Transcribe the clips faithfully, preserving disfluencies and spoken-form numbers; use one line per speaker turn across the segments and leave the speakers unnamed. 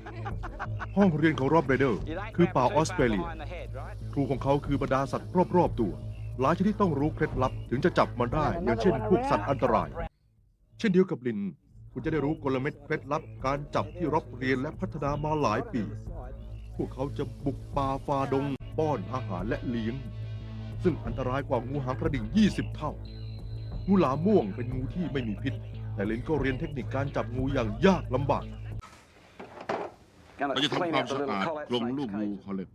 ห้องเรียนของรอบเรเดอร์คือป่าออสเตรเลียครูของเขาคือบรรดาสัตว์รอบๆตัวหลายชนิดต้องรู้เคล็ดลับถึงจะจับมันได้อย่างเช่นพวกสัตว์อันตราย เช่นเดียวกับลินคุณจะได้รู้กลเม็ดเคล็ดลับการจับที่รอบเรียนและพัฒนามาหลายปีพวกเขาจะบุกป่าฝ่าดงป้อนอาหารและเลี้ยงซึ่งอันตรายกว่างูหางกระดิ่งยี่สิบเท่างูหลามม่วงเป็นงูที่ไม่มีพิษแต่ลินก็เรียนเทคนิคการจับงูอย่างยากลำบาก
เราจะทำความสะอาดกรงลูกงูเขาเลย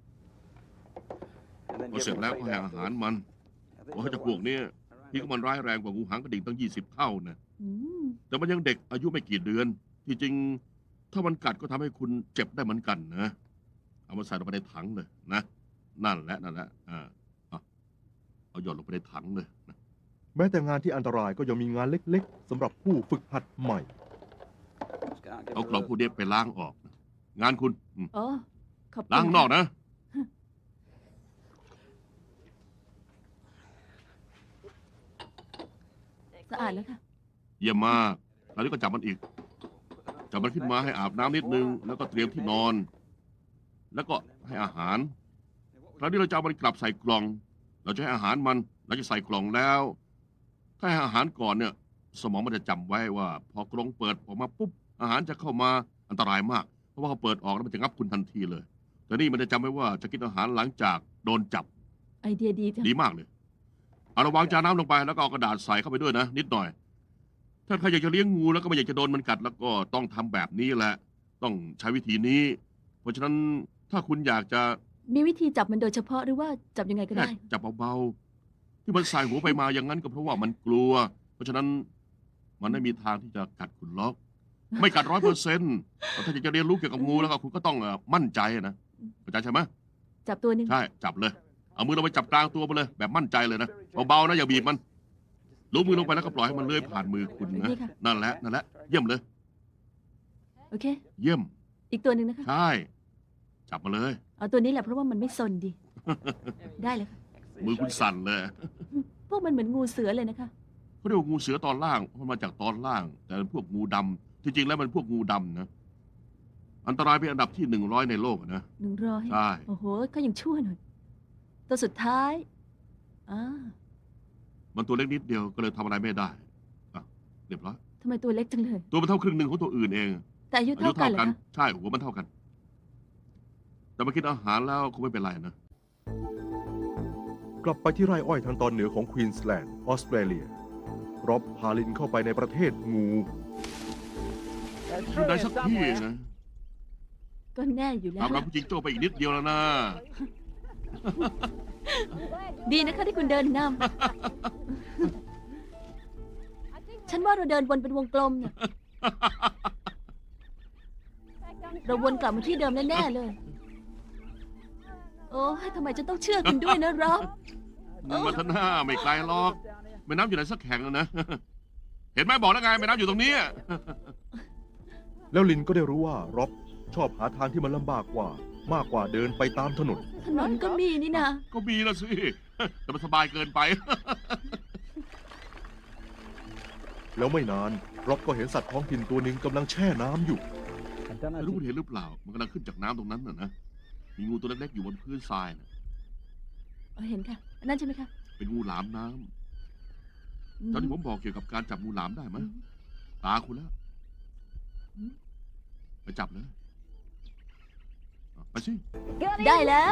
พอเสร็จแล้วก็ให้อาหารมันเพราะเจ้าพวกนี้ที่ก็มันร้ายแรงกว่างูหางกระดิ่งตั้งยี่สิบเท่านะแต่มันยังเด็กอายุไม่กี่เดือนที่จริงถ้ามันกัดก็ทำให้คุณเจ็บได้เหมือนกันนะเอามาใส่ลงไปในถังเลยนะนั่นแหละนั่นแหละอ่าเอาหย่อนลงไปในถังเลยนะ
แม้แต่งานที่อันตรายก็ยังมีงานเล็กๆสำหรับผู้ฝึกหัดใหม่
เอากล่องพวกนี้ไปล้างออกนะงานคุณ
อ๋อขอบคุณ
ล้างนอกนะ
สะอาดแล้วค่ะ
เยี่ยมมากแล้วนี้ก็จับมันอีกจับมันขึ้นมาให้อาบน้ำนิดนึงแล้วก็เตรียมที่นอน แล้วก็ให้อาหารคราวนี้เราจะเอามันกลับใส่กล่องเราจะให้อาหารมันเราจะใส่กล่องแล้ว ถ้าให้อาหารก่อนเนี่ยสมองมันจะจำไว้ว่าพอกล่องเปิดออกมาปุ๊บอาหารจะเข้ามาอันตรายมากเพราะว่าเขาเปิดออกแล้วมันจะงับคุณทันทีเลยแต่นี่มันจะจำไว้ว่าจะกินอาหารหลังจากโดนจับ
ไอเดียดีจัง
ดีมากเลยเอาระวางจานน้ำลงไปแล้วก็เอากระดาษใส่เข้าไปด้วยนะนิดหน่อยถ้าใครอยากจะเลี้ยงงูแล้วก็ไม่อยากจะโดนมันกัดแล้วก็ต้องทำแบบนี้แหละต้องใช้วิธีนี้เพราะฉะนั้นถ้าคุณอยากจะ
มีวิธีจับมันโดยเฉพาะหรือว่าจับยังไงก็ได้
จับเบาๆที่มันใส่หัวไปมาอย่างนั้นก็เพราะว่ามันกลัวเพราะฉะนั้นมันไม่มีทางที่จะกัดคุณล็อกไม่กัดร้อยเปอร์เซ็นต์ถ้าอยากจะเรียนรู้เกี่ยวกับงูแล้วก็คุณก็ต้องมั่นใจนะเข้าใจใช่ไหม
จับตัวนึง
ใช่จับเลยเอามือเราไปจับกลางตัวไปเลยแบบมั่นใจเลยนะเบาๆนะอย่าบีบมันลูบมือลงไปแล้วก็ปล่อยให้มันเลื้อยผ่านมือคุณนะนั่นแหละนั่นแหละเยี่ยมเลย
โอเค
เยี่ยม
อีกตัวหนึ่งนะคะ
ใช่จับมาเลย
เอาตัวนี้แหละเพราะว่ามันไม่ซนดีได้เลยค่ะ
มือคุณสั่นเลย
พวกมันเหมือนงูเสือเลยนะคะ
เขาเรียกว่างูเสือตอนล่างมันมาจากตอนล่างแต่พวกงูดำที่จริงแล้วมันพวกงูดำนะอันตรายเป็นอันดับที่หนึ่งร้อยในโลกนะ
หนึ่งร้อย
ใช่
โอ้โหเขายังชั่วหน่อยตัวสุดท้ายอ่า
มันตัวเล็กนิดเดียวก็เลยทำอะไรไม่ได้อ่ะเรียบร้อย
ทำไมตัวเล็กจังเลย
ตัวมันเท่าครึ่งหนึ่งของตัวอื่นเอง
แต่อายุเท่ากันเหรอคะ
ใช่หัวมันเท่ากันแต่มากินอาหารแล้วคงไม่เป็นไรนะ
กลับไปที่ไร่อ้อยทางตอนเหนือของควีนสแลนด์ออสเตรเลียรอบพาลินเข้าไปในประเทศงู
อยู่ไหนสักที่นะ
ก็แน่อยู่แล้ว
ตามเราผู้จิงโจ้ไปอีกนิดเดียวแล้วนะ
ดีนะคะที่คุณเดินนำฉันว่าเราเดินวนเป็นวงกลมเนี่ยเราวนกลับมาที่เดิมแน่ๆเลยโอ้ทำไมฉันต้องเชื่อคุณด้วยนะร็อบ
มาท่านหน้าไม่ไกลหรอกแม่น้ำอยู่ไหนสักแห่งนะเห็นไหมบอกแล้วไงแม่น้ำอยู่ตรงนี้
แล้วลินก็ได้รู้ว่าร็อบชอบหาทางที่มันลำบากกว่ามากกว่าเดินไปตามถนน
ถนนก็มีนี่นะ
ก็มีละสิแต่มันสบายเกินไป
แล้วไม่นานร็อบก็เห็นสัตว์ท้องถิ่นตัวหนึ่งกำลังแช่น้ำอยู่
ไม่รู้คุณเห็นหรือเปล่ามันกำลังขึ้นจากน้ำตรงนั้นน่ะนะมีงูตัวเล็กๆอยู่บนพื้นทรายนะ
เห็นค่ะนั่นใช่ไหมคะ
เป็นงูหลามน้ำตอนที่ผมบอกเกี่ยวกับการจับงูหลามได้ไหมตาคุณแล้วไปจับเลยไปสิ
ได้แล้ว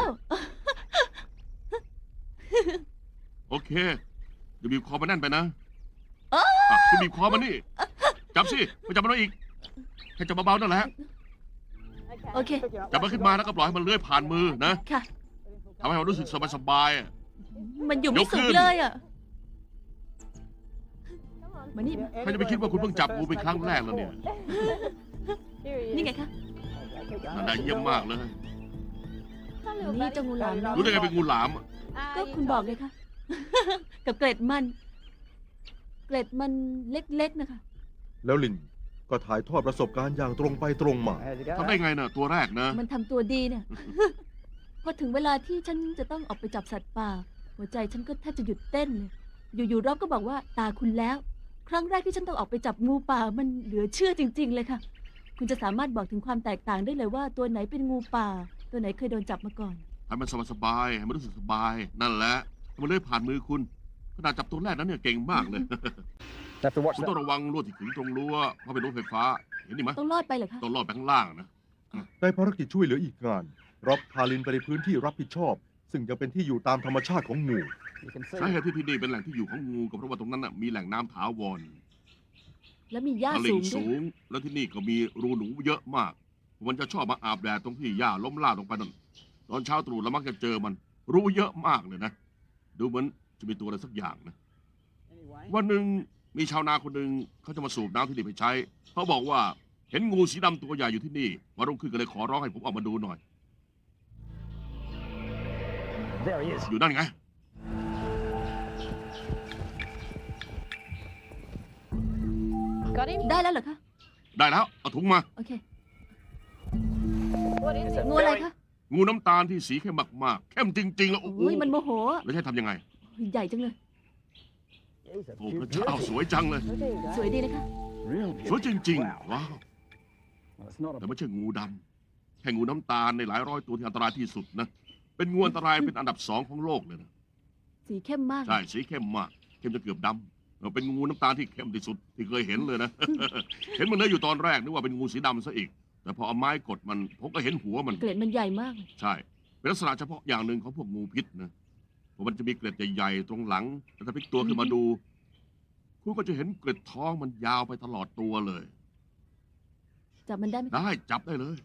โอเคอย่าบีบคอมันแน่นไปนะคุณบีบคอมันนี่จับสิไปจับมันอีกแค่จับเบาๆนั่นแหละ
โอเค
จับมันขึ้นมาแล้วก็ปล่อยให้มันเลื้อยผ่านมือนะ
ค่ะ
ทำให้มันรู้สึกสบาย
ๆมันอยู่ไม่สุดเลยอ่ะมานี่
ใครจะไปคิดว่าคุณเพิ่งจับงูเป็นครั้งแรกแล้วเนี่ย
นี่ไงคะ
น่าเยี่ยมมากเลย
นี่เจ้างูหลาม
รู้ได้ไงเป็นงูหลาม
ก็คุณบอกเลยค่ะกับเกล็ดมันเกล็ดมันเล็กๆนะคะ
แล้วลินก็ถ่ายทอดประสบการณ์อย่างตรงไปตรงมา
ทำได้ไงน่ะตัวแรกนะ
มันทำตัวดีเนี่ยพอถึงเวลาที่ฉันจะต้องออกไปจับสัตว์ป่าหัวใจฉันก็แทบจะหยุดเต้นเลยอยู่ๆรอบก็บอกว่าตาคุณแล้วครั้งแรกที่ฉันต้องออกไปจับงูป่ามันเหลือเชื่อจริงๆเลยค่ะคุณจะสามารถบอกถึงความแตกต่างได้เลยว่าตัวไหนเป็นงูป่า ตัวไหนเคยโดนจับมาก่อน
ให้มันสบายๆให้มันรู้สึกสบาย นั่นแหละให้มันเลื้อยผ่านมือคุณขนาดจับตัวแรกนั้นเนี่ยเก่งมากเลย
Have to watch
คุณต้อง
that.
ระวังลวดที่ขึงตรงรั้วเพราะเป็นรั้วไฟฟ้า เห็นนี่ไหม
ต้องรอดไปเหรอคะ
ต้องลอดไปข้างล่างนะ
ได้ภารกิจช่วยเหลืออีกงานร็อบพาลินไปในพื้นที่รับผิดชอบ ซึ่งยังเป็นที่อยู่ตามธรรมชาติของงู
You can see.
สาเหตุที่ที่นี่เป็นแหล่งที่อยู่ของงูก็เพราะว่าตรงนั้นน่ะมีแหล่งน้ำถาวร
แล้วมีหญ้า
ต
สู
ลิ่ง
งด้ว
สู
ย
ง แล้วที่นี่ก็มีรูหนูเยอะมาก มันจะชอบมาอาบแดดตรงที่หญ้าล้มลาดลงไปนั่นตอนเช้าตรู่เรามักจะเจอมัน รูเยอะมากเลยนะ ดูเหมือนจะมีตัวอะไรสักอย่างนะ
Anyway,
วันหนึ่งมีชาวนาคนหนึ่งเขาจะมาสูบน้ำที่นี่ไปใช้เขาบอกว่าเห็นงูสีดำตัวใหญ่อยู่ที่นี่วันรุ่งขึ้นก็เลยขอร้องให้ผมออกมาดูหน่อย
there he is.
อยู่นั่นไง
Got him?
ได้แล้วเหรอคะ
ได้แล้วเอาถุงมา
โอเค
What is it?
งูอะไรคะ
งูน้ำตาลที่สีเข้มมากๆเข้มจริงๆแล้วโอ้โห
โอ้ยมันโมโหอะ
แล้วใช้ทำยังไง
ใหญ่จังเลย
He's a
โอ้
cute
พระเจ้า
beauty.
สวยจังเลย
สวยดีนะคะ
Real
สวย
beauty.
จริง
Wow.
ๆ ว้าว
Well, it's not
แต่
a
ไม่ใช่งูดำแค่งูน้ำตาลในหลายร้อยตัวที่อันตรายที่สุดนะ เป็นงูอันตรายเป็นอันดับสองของโลกเลยนะ
สีเข้มมาก
ใช่สีเข้มมาก เข้มจนเกือบดำเราเป็นงูน้ำตาลที่เข้มที่สุดที่เคยเห็นเลยนะ เห็นมันเลยอยู่ตอนแรกนึกว่าเป็นงูสีดำซะอีก แต่พอเอาไม้กดมันผมก็เห็นหัวมัน
เกล็ดมันใหญ่มากเลย
ใช่ เป็นลักษณะเฉพาะอย่างหนึ่งของพวกงูพิษนะเพราะมันจะมีเกล็ดใหญ่ๆตรงหลังแต่ถ้าพลิกตัวขึ้นมาดู คุณก็จะเห็นเกล็ดท้องมันยาวไปตลอดตัวเลย
จับมันได้ไหมคะ
ได้จับได้เลย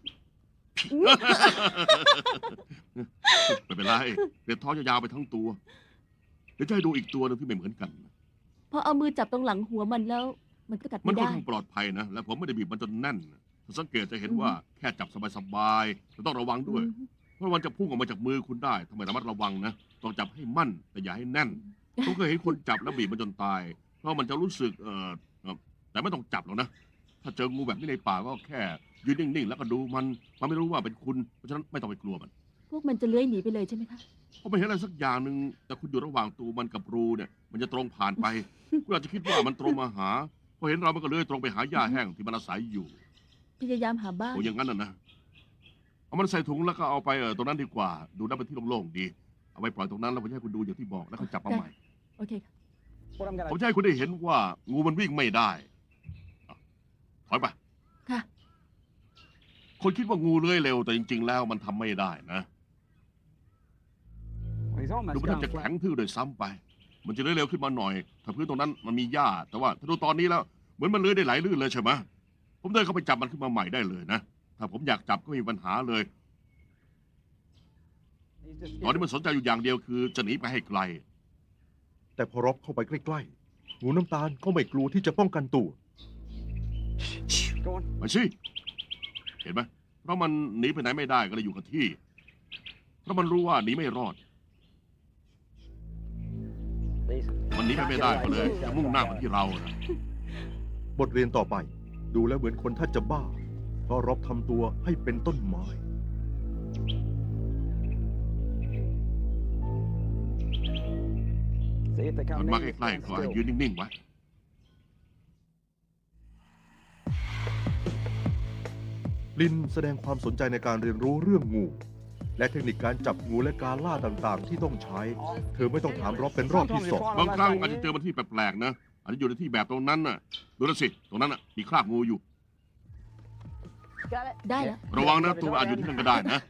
ไม่เป็นไรเกล็ดท้องจะยาวไปทั้งตัว เดี๋ยวจะให้ดูอีกตัวหนึงที่ไม่เหมือนกัน
พอเอามือจับตรงหลังหัวมันแล้ว มันก็กัด
มัน
ไม่
ค่อน
ได้
ข้างปลอดภัยนะ และผมไม่ได้บีบมันจนแน่นถ้าสังเกตจะเห็นว่าแค่จับสบายๆแต่ต้องระวังด้วย
อืม
เพราะมันจะพุ่งออกมาจากมือคุณได้ทำไมระมัดระวังนะ ต้องจับให้มั่น แต่อย่าให้แน่น ผมเคยเห็นคนจับแล้วบีบมันจนตาย เพราะมันจะรู้สึกเออเอ่อแต่ไม่ต้องจับหรอกนะ ถ้าเจองูแบบนี้ในป่าก็แค่ยืนนิ่งๆ แล้วก็ดูมัน มันไม่รู้ว่าเป็นคุณ เพราะฉะนั้นไม่ต้องไปกลัวมัน
พวกมันจะเลื้อยหนีไปเลยใช่ไหมคะ
ก็ไม่เห็นอะไรสักอย่างหนึ่งแต่คุณอยู่ระหว่างตัวมันกับรูเนี่ย มันจะตรงผ่านไป คุณอาจจะคิดว่ามันตรงมาหา พอเห็นเรามันก็เลื้อยตรงไปหาหญ้าแห้งที่มันอาศัยอยู่
พยายามหาบ้าน
โอ้อย่างนั้นน่ะนะ เอามันใส่ถุงแล้วก็เอาไปเออตรงนั้นดีกว่า ดูน่าเป็นที่โล่งๆดี เอาไปปล่อยตรงนั้นแล้วผมจะให้คุณดูอย่างที่บอกแล้วก็จับมาใหม่
โอเคค่ะ
what I'm
ผม
gonna
จะให้คุณได้เห็นว่างูมันวิ่งไม่ได้อ่ะถอยไป
ค่ะ
คนคิดว่างูเลื้อยเร็วแต่จริง ๆ แล้วมันทำไม่ได้นะ
well, he's
ดู
almost
มันแทบ
gone
จะแข็
flat.
งทื่อโดวยซ้ำไป มันจะเลื้อยเร็วขึ้นมาหน่อย ถ้าพื้นตรงนั้นมันมีหญ้า แต่ว่าถ้าดูตอนนี้แล้วเหมือนมันเลื้อยได้ไหลลื่นเลยใช่ไหมผมเดินเข้าไปจับมันขึ้นมาใหม่ได้เลยนะ ถ้าผมอยากจับก็ไม่มีปัญหาเลย
He's just
ตอนนี้มันสนใจอยู่อย่างเดียวคือจะหนีไปให้ไกล
แต่พอร็อบเข้าไปใกล้ๆ งูน้ำตาลก็ไม่กลัวที่จะป้องกันตัว
go on.
ไปสิ เห็นไหมเพราะมันหนีไปไหนไม่ได้ก็เลยอยู่กับที่ เพราะมันรู้ว่าหนีไม่รอด
Please.
มันหนีไปไม่ได้ก็เลยจะมุ่งหน้ามาที่เรานะ
บทเรียนต่อไป ดูแล้วเหมือนคนท่านจะบ้า เพราะร็อบทำตัวให้เป็นต้นไม้
See if they
มั
come
นมา
near
ใก
you,
ล้ๆ
stand
ก็ให้
still.
ยืนนิ่งๆไว้
ลินแสดงความสนใจในการเรียนรู้เรื่องงู และเทคนิคการจับงูและการล่าต่างๆ ที่ต้องใช้ เธอไม่ต้องถามร็อบเป็นรอบที่สอง
บางครั้งอาจจะเจอมันที่แปลกๆนะอาจจะอยู่ในที่แบบตรงนั้นน่ะ ดูนะสิ ตรงนั้นน่ะมีคราบงูอยู่
Got it?
ได้แล้ว
ระวังนะตัวอาจอยู่ที่นั่นก็ได้นะ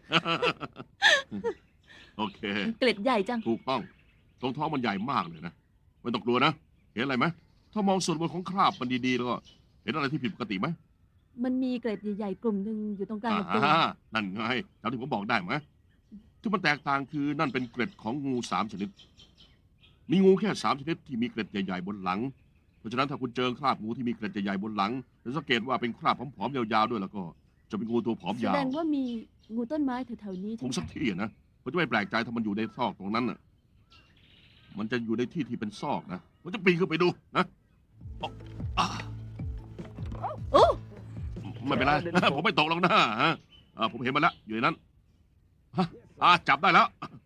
โอเค
เกล็ดใหญ่จัง
ถูกต้อง ตรงท้องมันใหญ่มากเลยนะไม่ต้องกลัวนะ เห็นอะไรไหมถ้ามองส่วนบนของคราบมันดีๆแล้วก็เห็นอะไรที่ผิดปกติไหม
มันมีเกล็ดใหญ่ๆกลุ่มหนึ่งอยู่ตรงกลางลำตัว
อ่านั่นไงจำที่ผมบอกได้ไหมที่มันแตกต่างคือนั่นเป็นเกล็ดของงูสามชนิด มีงูแค่สามชนิดที่มีเกล็ดใหญ่ๆบนหลัง เพราะฉะนั้นถ้าคุณเจอคราบงูที่มีเกล็ดใหญ่ๆบนหลังแล้วสังเกตว่าเป็นคราบผอมๆยาวๆด้วยแล้วก็จะเป็นงูตัวผอม
แส
ยา
ด
ว
งว่ามีงูต้นไม้แถวๆนี้
ค
ใช่
ง
ไหม
สักที่อะนะผมจะไม่แปลกใจถ้ามันอยู่ในซอกตรงนั้นน่ะ มันจะอยู่ในที่ที่เป็นซอกนะผมจะปีนขึ้นไปดูนะอ่ะ
โอ้
ไม่เป็นไร ผมไม่ตกหรอกนะฮะอ่าผมเห็นมันแล้วอยู่ในนั้นฮะอ่าจับได้แล้ว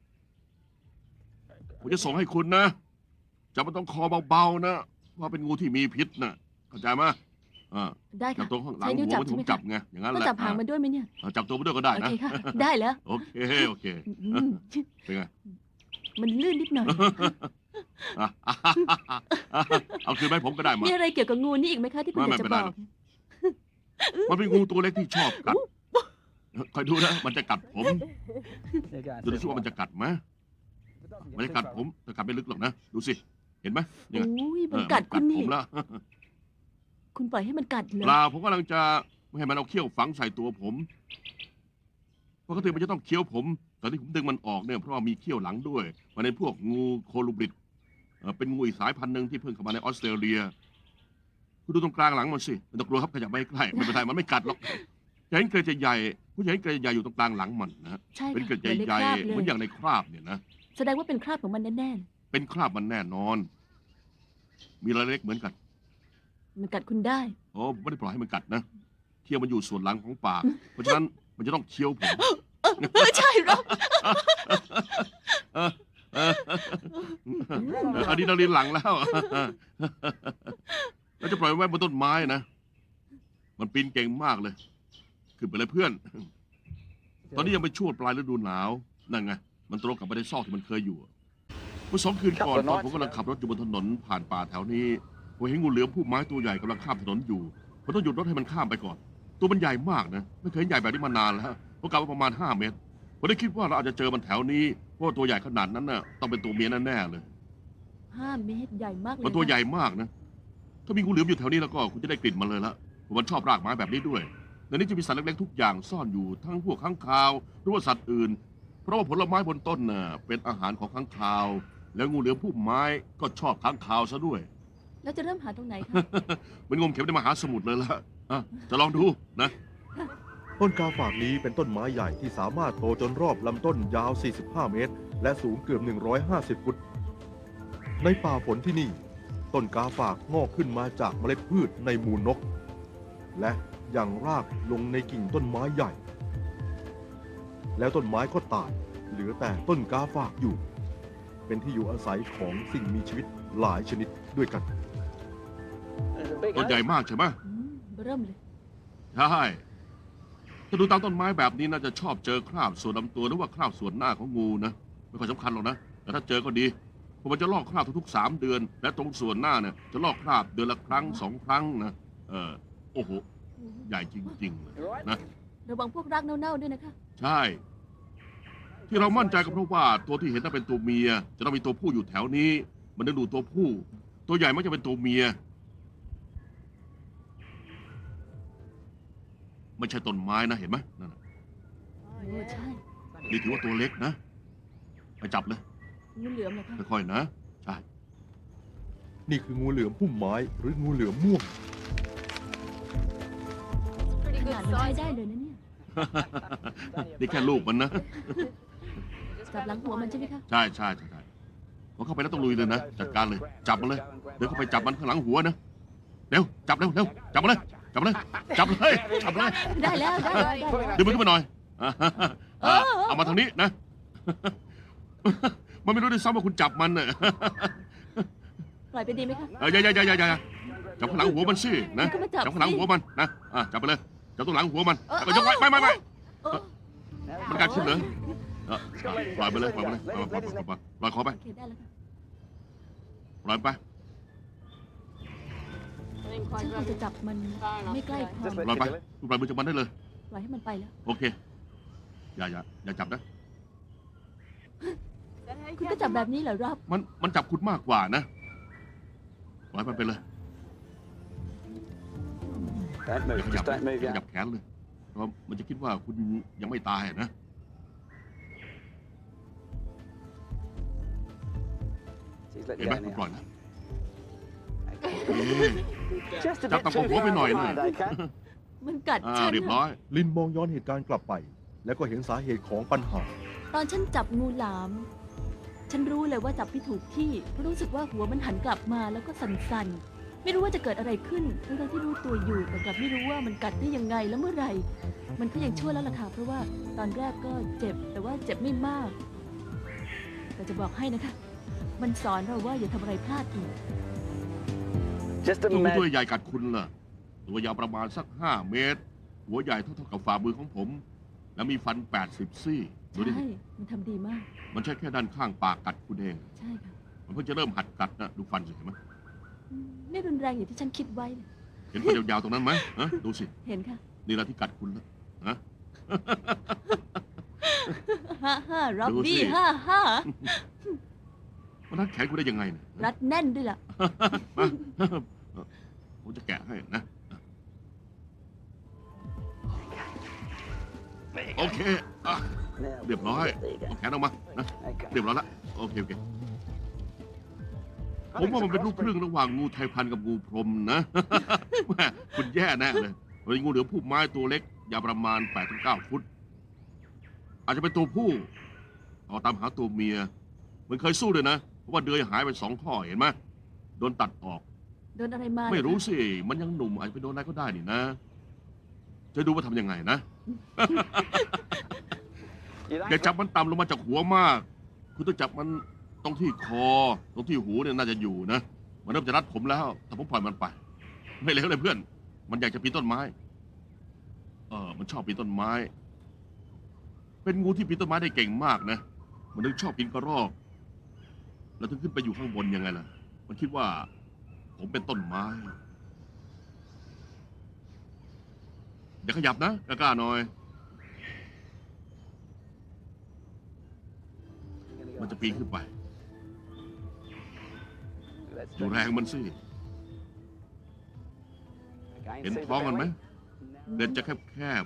ผมจะส่งให้คุณนะจับมันต้องคอเบาๆนะว่าเป็นงูที่มีพิษนะเข้าใจไหมอ่า
ได้
จั
ค่ะ
บตัวข้างหลัง
ใช้นิ้ว
หัว
จับ
มัน
ใช่
ที่
ไห
ผม ม
คะ
จับไงอย่างนั้น
ต้อ
แห
ง
ละ
จับหางมันด้วยไหมเนี่ย
อ่าจับตัวมันด้วยก็ได้
โอ
นะ
เคค่ะ ได้แล้ว
โอเคโอเค
อืม
เป็นไง
มันลื่นนิดหน่อย
อ่ะเอาคืนไปผมก็ได้มา
มีอะไรเกี่ยวกับงูนี่อีกไหมคะที่คุณอ
ไม่
ยากจะ
ไม่เป็น
บ
ไร
อก
หรอก มันเป็นงูตัวเล็กที่ชอบกัดคอยดูนะมันจะกัดผม
There you go.
ดูสิว่ามันจะกัดไหมมันจะกัดผมแต่กัดไม่ลึกหรอกนะดูสิเห็นไหมนี่ไง
อุ้ย
เอ
มัน
อ
กัด
มั
คุ
น
ณ
ผ
นี่
มแล้ว
คุณปล่อยให้มันกัดเหร
เป
อ
ล่าผมกำลังจะไม่ให้มันเอาเขี้ยวฝังใส่ตัวผมปกติมันจะต้องเคี้ยวผมตอนที่ผมดึงมันออกเนี่ยเพราะว่ามีเขี้ยวหลังด้วยมันเป็นพวกงูโคลูบริดเอ่อเป็นงูอีกสายพันธุ์หนึ่งที่เพิ่งเข้ามาในออสเตรเลียคุณดูตรงกลางหลังมันสิไม่ต้องกลัวครับขยับไม่ใกล้ไม่เป็นไรมันไม่กัดหรอกจะเห็นเกล็ดใหญ่ๆผู้ใหญ่เห็นเกล็ดใหญ่อยู่ตรงกลางหลังมันนะ
ใช่
เป็น
ค่ะ
เกล็ด
เหมือนใน
ใหญ่
คราบ
ๆ
เล
เหมือน
ย
อย่างในคราบเนี่ยนะ
แสดงว่าเป็นคราบของมันแน่
เป็นคราบมันแน่นอน มีรายละเล็กเหมือนกัน
ๆมันกัดคุณได้
โอ้ผมไม่ได้ปล่อยให้มันกัดนะเคี้ยวมันอยู่ส่วนหลังของปาก เพราะฉะนั้นมันจะต้องเคี้ยวผม
เออใช่หรอ
เออเออเอออะดรีนาลีนหลังแล้วแล้วจะปล่อยมันไว้บนต้นไม้นะ มันปีนเก่งมากเลย ขึ้นไปเลยเพื่อน ตอนนี้ยังเป็นช่วงปลายฤดูหนาว นั่นไง มันตรงกับไปในซอกที่มันเคยอยู่ เมื่อสองคืนก่อนตอนผมกำลังขับรถอยู่บนถนนผ่านป่าแถวนี้ผมเห็นงูเหลือมผู้ไม้ตัวใหญ่กำลังข้ามถนนอยู่ผมต้องหยุดรถให้มันข้ามไปก่อน ตัวมันใหญ่มากนะ ไม่เคยเห็นใหญ่แบบนี้มานานแล้วผมกะว่าประมาณห้าเมตรผมได้คิดว่าเราอาจจะเจอมันแถวนี้ เพราะว่าตัวใหญ่ขนาดนั้นน่ะต้องเป็นตัวเมียแน่ๆเลย
ห้าเมตรใหญ่มากเลย
มันตัว
ค่ะ
ใหญ่มากนะ ถ้ามีงูเหลือมอยู่แถวนี้แล้วก็คุณจะได้กลิ่นมันเลยละผมมันชอบรากไม้แบบนี้ด้วย ในนี้จะมีสัตว์เล็กๆทุกอย่างซ่อนอยู่ทั้งพวกค้างคาวหรือว่าสัตว์อื่น เพราะว่าผลไม้บนต้นน่ะเป็นอาหารของค้างคาว แล้วงูเหลือมผู้ไม้ก็ชอบค้างคาวซะด้วย
แล้วจะเริ่มหาตรงไหนคะ
เหมันงมเข็มในมหาสมุทรเลยละอ่ะจะลองดูนะ
ต้นกาฝากนี้เป็นต้นไม้ใหญ่ที่สามารถโตจนรอบลำต้นยาว สี่สิบห้า เมตร และสูงเกือบ หนึ่งร้อยห้าสิบ ฟุต ในป่าฝนที่นี่ ต้นกาฝากงอกขึ้นมาจากเมล็ดพืชในมูลนก และยังรากลงในกิ่งต้นไม้ใหญ่ แล้วต้นไม้ก็ตาย เหลือแต่ต้นกาฝากอยู่ เป็นที่อยู่อาศัยของสิ่งมีชีวิตหลายชนิดด้วยกัน
There's a big
ต้นใหญ่มากใช่ไหม
อืมเริ่มเลย
ใช่ถ้าดูตามต้นไม้แบบนี้น่าจะชอบเจอคราบส่วนลำตัวหรือว่าคราบส่วนหน้าของงูนะไม่ค่อยสำคัญหรอกนะแต่ถ้าเจอก็ดีเพราะมันจะลอกคราบทุกๆสามเดือน และตรงส่วนหน้าเนี่ยจะลอกคราบเดือนละครั้งสองครั้งนะเออโอ้โหใหญ่จริงๆเลย
You right?
นะ
ระวังพวกรากเน่าๆด้วยนะคะ
ใช่ ที่เรามั่นใจก็เพราะว่าตัวที่เห็นน่าเป็นตัวเมีย จะต้องมีตัวผู้อยู่แถวนี้ มันดึงดูดตัวผู้ ตัวใหญ่มักจะเป็นตัวเมีย ไม่ใช่ต้นไม้นะเห็นไหมนั่นน่ะ
โอ้ใช่
นี่ถือว่าตัวเล็กนะไปจับเลย
งูเหลือมเหรอคะ
ค่อยๆนะใช่
นี่คืองูเหลือมพุ่มไม้หรืองูเหลือมม่วง
ขนาดมันใช้ได้เลยนะเนี่ย
นี่แค่ลูกมันนะ
จับหลังหัวมันใช่ไหมคะ
ใช่ใช่ใช่ใช่พอเข้าไปแล้วต้องลุยเลยนะ จัดการเลย จับมันเลย เดี๋ยวเข้าไปจับมันข้างหลังหัวนะ เร็ว จับเร็วเร็วจับมันเลย จับมันเลย จับเลย จับเลย
ได้แล้วได้แล้วได้แล้ว
ดึงมันขึ้นมาหน่อยอ่าอ่าเอามาทางนี้นะ มันไม่รู้ด้วยซ้ำว่าคุณจับมันเนี่ย
ปล่อยไปดีไหมคะ
เอออย่าอย่าอย่าอย่าอย่าจับข้างหลังหัวมันสินะ
มันก็มาจับ
จับข้างหลัง
สิ
หัวมันนะอ่ะจับไปเลย จับตรงหลังหัวมัน
เออ
แล้วก็ยกไว้ไม่ไม่ไม่
เออ
มันกัดขึ้นเหรอเออปล่อยไปเลย ปล่อยไปเลยปล่อยปล่อยปล่อยปล่อยปล่อยคอไป
โอเคได้แล้วค่ะ
ปล่อยไป
ฉันควรจะจับมันไม่ใกล้คอ
ปล่อยไปคุณปล่อยมือจากมันได้เลย
ปล่อยให้มันไปแล้ว
โอเค อย่าอย่าอย่าจับนะ
คุณก็จับแบบนี้เหรอรอบ
มันมันจับคุณมากกว่านะ ปล่อยมันไปเลย
Don't
อย่า
move.
ขยับ
Just don't move
อย่า
your
ขยับแขนเลย เพราะมันจะคิดว่าคุณยังไม่ตายนะ
She's let
เห็น
you
ไหม
down
คุณปล่อย
now.
นะ
Just a
จับ
bit
ต่ำกว่า
too
หัวไป
far
หน่อยนะ
behind, okay?
มันกัด
อ่า
ฉัน
เรียบร้อย
ลินมองย้อนเหตุการณ์กลับไป แล้วก็เห็นสาเหตุของปัญหา
ตอนฉันจับงูหลาม ฉันรู้เลยว่าจับไม่ถูกที่เพราะรู้สึกว่าหัวมันหันกลับมาแล้วก็สั่นๆ ไม่รู้ว่าจะเกิดอะไรขึ้นทั้งๆที่รู้ตัวอยู่แต่กลับไม่รู้ว่ามันกัดได้ยังไงและเมื่อไหร่ มันก็ยังชั่วแล้วล่ะค่ะเพราะว่าตอนแรกก็เจ็บแต่ว่าเจ็บไม่มาก แต่จะบอกให้นะคะ มันสอนเราว่าอย่าทำอะไรพลาดอีก
Just
ตัวงูตัว
imagine.
ใหญ่กัดคุณเหรอตัวยาวประมาณสักห้าเมตร หัวใหญ่เท่าๆกับฝ่ามือของผม แล้วมีฟันแปดสิบซี่ดูดิ
ใช่ มันทำดีมาก
มันใช่แค่ด้านข้างปากกัดคุณเอง
ใช่ค่ะ
มันเพิ่งจะเริ่มหัดกัดนะดูฟันสิเห็นไหม
อืมไม่รุนแรงอย่างที่ฉันคิดไว้เลย
เห็นฟันยาวๆตรงนั้นไหมฮะดูสิ
เห็นค่ะ
นี่แหละที่กัดคุณนะฮะ
ฮ่าฮ่าร็อบ
ดูสิ
บี้ฮ่าฮ่า
มันรัดแขนคุณได้ยังไงเนี่ย
รัดแน่นด้วยล่ะ
มาผมจะแกะให้นะ โอเคอ่ะ
Now,
เรียบร้อย
there you go.
เอาแขนออกมานะ
Okay.
เรียบร้อยแล้วโอเคโอเค ผมว่ามันเป็นลูกครึ่งระหว่างงูไทยพันธุ์กับงูพรหมนะ แม่คุณแย่แน่เลยเป็นงูเหลือมผู้ไม้ตัวเล็กยาวประมาณแปดถึงเก้าฟุต อาจจะเป็นตัวผู้เอาตามหาตัวเมีย มันเคยสู้เลยนะ เพราะว่าเดือยหายไปสองข้อเห็นไหมโดนตัดออก
โดนอะไรมา
ไม่รู้
เหอคะ
สิ มันยังหนุ่มอาจจะไปโดนอะไรก็ได้นี่นะ จะดูว่าทำยังไงนะ
You
อย่า
like
จับมันต่ำลงมาจากหัวมาก คุณต้องจับมันตรงที่คอ ตรงที่หูเนี่ยน่าจะอยู่นะ มันเริ่มจะรัดผมแล้ว แต่ผมปล่อยมันไป ไม่เลวเลยเพื่อน มันอยากจะปีนต้นไม้ เออ มันชอบปีนต้นไม้ เป็นงูที่ปีนต้นไม้ได้เก่งมากนะ มันถึงชอบปีนกระรอก แล้วถึงขึ้นไปอยู่ข้างบนยังไงล่ะ มันคิดว่า ผมเป็นต้นไม้ อย่าขยับนะกล้าๆหน่อย มันจะปีนขึ้นไป
Let's
ดูแรงมันสิ
Again,
เห็น
see the
ท้องมันไหม
belly?
เดินจะแคบ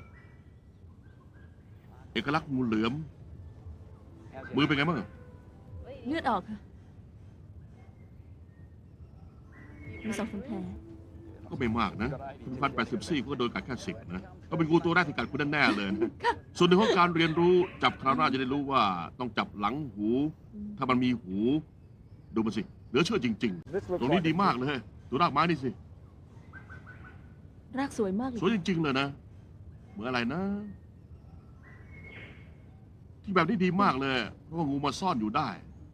ๆ เอกลักษณ์งูเหลือม
How's your
มือเป็นไงบ้าง
เลือดออกค่ะมีสองสามแผล
ก็ไม่มากนะ คุณพันแปดสิบซี่ก็โดนกัดแค่สิบนะ ก็เป็นงูตัวแรกที่กัดคุณแน่ๆเลยนะส่วนหนึ่งของการเรียนรู้จับคราวหน้าจะได้รู้ว่าต้องจับหลังหู ถ้ามันมีหู ดูมันสิ เหลือเชื่อจริง
This
ๆ
looks
ตรงนี้
like
ดี
a
มากเลย ดูรากไม้นี่สิ
รากสวยมากเลย
สวยจริง ๆ เลยนะ เหมือนอะไรนะ ที่แบบนี้ดีมากเลย เพราะว่างูมาซ่อนอยู่ได้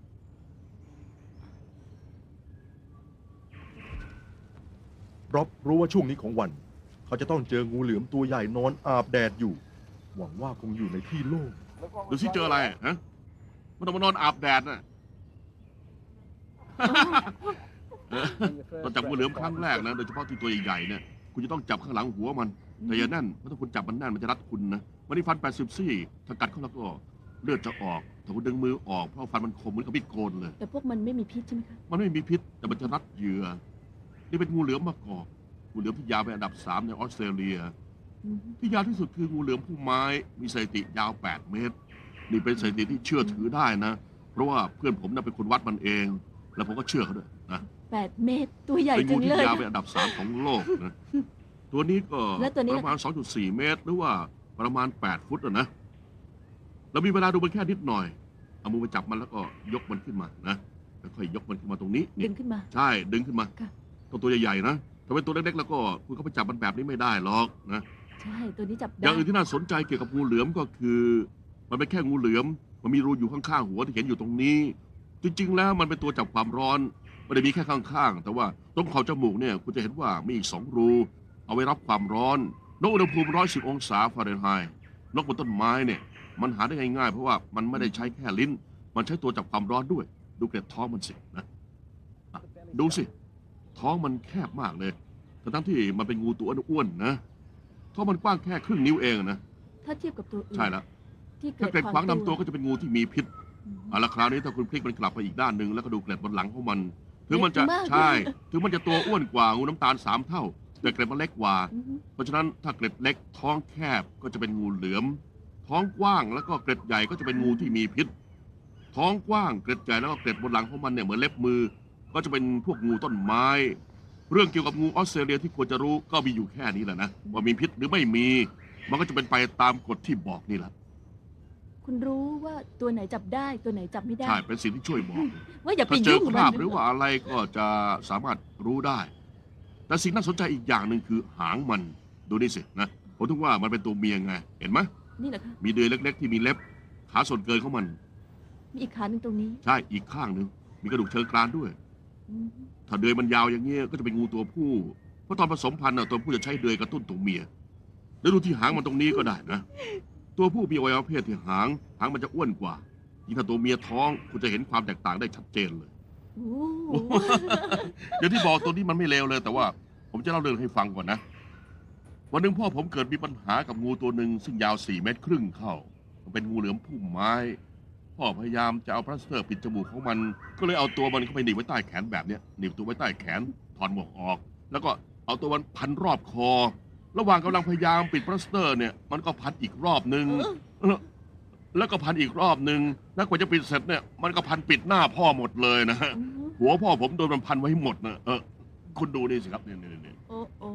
ร็อบรู้ว่าช่วงนี้ของวัน เขาจะต้องเจองูเหลือมตัวใหญ่นอนอาบแดดอยู่ หวังว่าคงอยู่ในที่โล่ง
Look what
ดู
was
สิ
right
เจออะไร
there.
ฮะ มันต้องมานอนอาบแดดน่ะ
In the first
ตอนจับงูเหลือมครั้ง
breath.
แรกนะ โดยเฉพาะที่ตัวใหญ่ๆเนี่ย คุณจะต้องจับข้างหลังหัวมัน แต่อย่าแน่น เพราะถ้าคุณจับมันแน่นมันจะรัดคุณนะ มันนี่ฟันแปดสิบซี่ ถ้ากัดเข้าแล้วก็เลือดจะออก ถ้าคุณดึงมือออก เพราะฟันมันคมเหมือนกับมีดโกนเลย
แต่พวกมันไม่มีพิษใช่ไหมคะ
มันไม่มีพิษ แต่มันจะรัดเหยื่อ นี่เป็นงูเหลือมมะกอกงูเหลือมที่ยาวเป็นอันดับสามในออสเตรเลีย
อืม
ที่ยาวที่สุดคืองูเหลือมผู้ไม้ มีสถิติยาวแปดเมตร นี่เป็นสถิติที่เชื่อถือได้นะ เพราะว่าเพื่อนผมน่ะเป็นคนวัดมันเอง แล้วผมก็เชื่อเขาด้วยนะ
แปดเมตร ตัวใหญ่
เป็น
จั
งู
ง
ที่
เลย
ยาวเป็นอันดับสามของโลกนะ ตัวนี้ก็
แล้วตัวนี้
ประมาณ สองจุดสี่ เมตร หรือว่าประมาณแปดฟุตอะนะ เรามีเวลาดูมันแค่นิดหน่อย เอามือไปจับมันแล้วก็ยกมันขึ้นมานะแล้วค่อยยกมันขึ้นมาตรงนี้นี่
ดึงขึ้นมา
ใช่ ดึงขึ้นมา
ค่ะ
ต้องตัวใหญ่ๆนะ ถ้าเป็นตัวเล็กๆแล้วก็คุณก็ไปจับมันแบบนี้ไม่ได้หรอกนะ
ใช่ ตัวนี้จับ
อ
ได้
ย่างอื่นที่น่าสนใจเกี่ยวกับงูเหลือมก็คือ มันเป็นแค่งูเหลือม มันมีรูอยู่ข้างๆหัวที่เห็นอยู่ตรงนี้ จริงๆแล้วมันเป็นตัวจับความร้อนไม่ได้มีแค่ข้างๆ แต่ว่าตรงขอบจมูกเนี่ยคุณจะเห็นว่ามีอีกสองรู เอาไว้รับความร้อน นกอุณหภูมิร้อยสิบองศาฟาเรนไฮต์นกบนต้นไม้เนี่ย มันหาได้ง่ายๆ เพราะว่ามันไม่ได้ใช้แค่ลิ้น มันใช้ตัวจับความร้อนด้วย ดูเกล็ดท้องมันสินะอ่ะดูสิ ท้องมันแคบมากเลยทั้งๆที่มันเป็นงูตัวอ้วนๆนะ ท้องมันกว้างแค่ครึ่งนิ้วเองนะ
ถ้าเทียบกับตัวอื่น
ใช่แล้ว
ที่เกิ
ถ้า
ด
เกล็ดขวาง
คว
นำตัวก็จะเป็นงูที่มีพิษ
อืม
เอาละคราวนี้ถ้าคุณพลิกมันกลับไปอีกด้านหนึ่งแล้วก็ดูเกล็ดบนหลังของมัน ถึงมันจะ
เล็กมาก
ใช่ ถึงมันจะตัวอ้วนกว่างูน้ำตาลสามเท่า แต่เกล็ดมันเล็กกว่า
อืม
เพราะฉะนั้นถ้าเกล็ดเล็กท้องแคบก็จะเป็นงูเหลือม ท้องกว้างแล้วก็เกล็ดใหญ่ก็จะเป็นงูที่มีพิษ ท้องกว้างเกล็ดใหญ่แล้วก็เกล็ดบนหลังของมันเนี่ยเหมือนเล็บมือ ก็จะเป็นพวกงูต้นไม้ เรื่องเกี่ยวกับงูออสเตรเลียที่ควรจะรู้ก็มีอยู่แค่นี้แหละนะว่ามีพิษหรือไม่มี มันก็จะเป็นไปตามกฎที่บอกนี่แหละ
คุณรู้ว่าตัวไหนจับได้ตัวไหนจับไม่ได้
ใช่เป็นสิ่งที่ช่วยบอก
ว่าอย่าไป
ถ้าเจอ
ยุ่ง
ค
กับ
ราบ
มัน
หรือว่าอะไรก็จะสามารถรู้ได้ แต่สิ่งน่าสนใจอีกอย่างหนึ่งคือหางมัน ดูนี่สินะผมถึงว่ามันเป็นตัวเมียไง เห็นไหม
นี่แหละค่ะ
มีเดือยเล็ก ๆ ที่มีเล็บ ขาส่วนเกินของมัน
มีอีกขาหนึ่งตรงนี้
ใช่ อีกข้างหนึ่งมีกระดูกเชิงกรานด้วย
อืม
ถ้าเดือยมันยาวอย่างเงี้ยก็จะเป็นงูตัวผู้เพราะตอนผสมพันธุ์น่ะตัวผู้จะใช้เดือยกระตุ้นตัวเมียแล้วดูที่หางมันตรงนี้ก็ได้นะ ตัวผู้มีอวัยวะเพศที่หาง หางมันจะอ้วนกว่า ยิ่งถ้าตัวเมียท้องคุณจะเห็นความแตกต่างได้ชัดเจนเลย
โอ้
อย่างที่บอกตัวนี้มันไม่เลวเลย แต่ว่าผมจะเล่าเรื่องให้ฟังก่อนนะ วันหนึ่งพ่อผมเกิดมีปัญหากับงูตัวหนึ่งซึ่งยาวสี่เมตรครึ่งเข้า มันเป็นงูเหลือมพุ่มไม้ พ่อพยายามจะเอาพลาสเตอร์ปิดจมูกของมัน ก็เลยเอาตัวมันเข้าไปหนีบไว้ใต้แขนแบบเนี้ยหนีบตัวไว้ใต้แขนถอดหมวกออก แล้วก็เอาตัวมันพันรอบคอ ระหว่างกำลังพยายามปิดพลาสเตอร์เนี่ยมันก็พันอีกรอบหนึ่งแล้วก็พันอีกรอบหนึ่งแล้วกว่าจะปิดเสร็จเนี่ยมันก็พันปิดหน้าพ่อหมดเลยนะ หัวพ่อผมโดนมันพันไว้ให้หมดนะเออคุณดูนี่สิครับเนี่ยเนี่ยเนี่ย
โอ้โอ้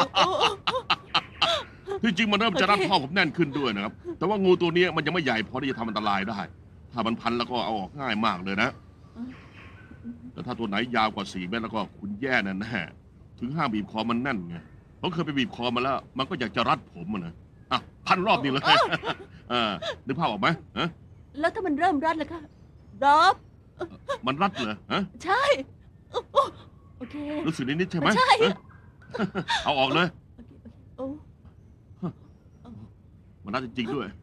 ที่จริงมันเริ่มจะรัดพ่อผมแน่นขึ้นด้วยนะครับ แต่ว่างูตัวนี้มันยังไม่ใหญ่พอที่จะทำอันตรายได้ ถ้ามันพันแล้วก็เอาออกง่ายมากเลยนะ แต่ถ้าตัวไหนยาวกว่าสี่เมตรแล้วก็คุณแย่แน่แน่ถึงห้ามบีบคอมันแน่นไงผมเคยไปบีบคอมาแล้ว มันก็อยากจะรัดผมอะนะอ่ะพันรอบนี้เลยเออนึกภาพออกไหมฮะ
แล้วถ้ามันเริ่มรัดล่ะคะรอบ
มันรัดเหรอฮะ
ใช่โอ้โอ้โอเค
รู้สึกนิดๆใช่ไหม
ใช่
ฮะเอาออกเลย
โอเคโอ้
มันรัดจริงๆด้วย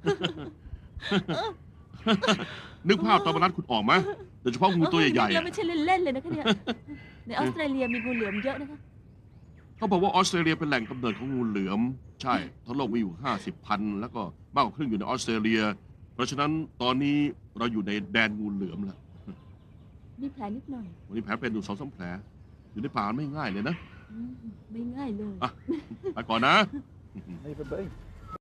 นึกภาพตอนมันรัดคุณออกไหมโดยเฉพาะงูตัวใหญ่ๆ
แล้ว
อะ
ไม่ใช่เล่นๆเลยนะคะเนี่ยในออสเตรเลียมีงูเหลือมเยอะนะคะ
เขาบอกว่าออสเตรเลียเป็นแหล่งกำเนิดของงูเหลือม ใช่ทั้งโลกมีอยู่ห้าสิบพันแล้วก็มากกว่าครึ่งอยู่ในออสเตรเลีย เพราะฉะนั้นตอนนี้เราอยู่ในแดนงูเหลือมแล้ว
มีแผลนิดหน่อย
วันนี้แผลเป็นอยู่สองสามแผล อยู่ในป่าไม่ง่ายเลยนะ
อืมไม่ง่ายเลย
อ่ะ ไปก่อนนะ
Leave a be.